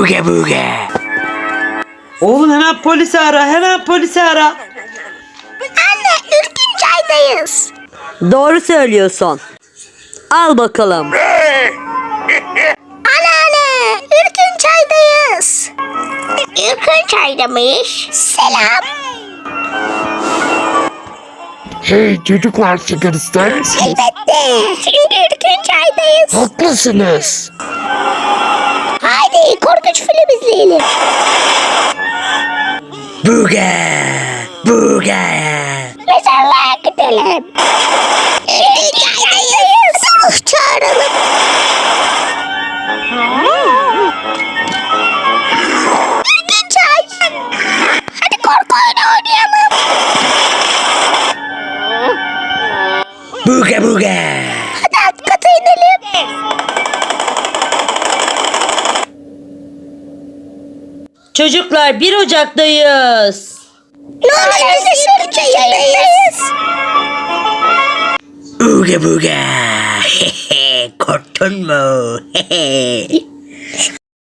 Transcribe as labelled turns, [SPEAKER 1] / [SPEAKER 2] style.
[SPEAKER 1] Buge buge.
[SPEAKER 2] Oğlum hemen polisi ara, hemen polisi ara.
[SPEAKER 3] Anne, Ürkünçay'dayız.
[SPEAKER 4] Doğru söylüyorsun. Al bakalım.
[SPEAKER 3] Anneanne, Ürkünçay'dayız. Ürkünçay'da mıyız? Selam.
[SPEAKER 5] Hey çocuklar, sigara ister misiniz?
[SPEAKER 3] Elbette. Şimdi Ürkünçay'dayız.
[SPEAKER 5] Haklısınız.
[SPEAKER 3] Haydi korkunç film izleyelim.
[SPEAKER 1] Buge. Buge.
[SPEAKER 3] Mezarlığa gidelim. Ürkünçay'dayız. Ruh çağıralım. Ürkünçay. Hadi korku oyunu oynayalım.
[SPEAKER 1] Buge buge.
[SPEAKER 3] Hadi alt kata inelim.
[SPEAKER 4] Çocuklar 1 Ocak'tayız.
[SPEAKER 3] Ne oluyor, biz de Ürkünçay'dayız.
[SPEAKER 1] Buge buge. Korktun mu?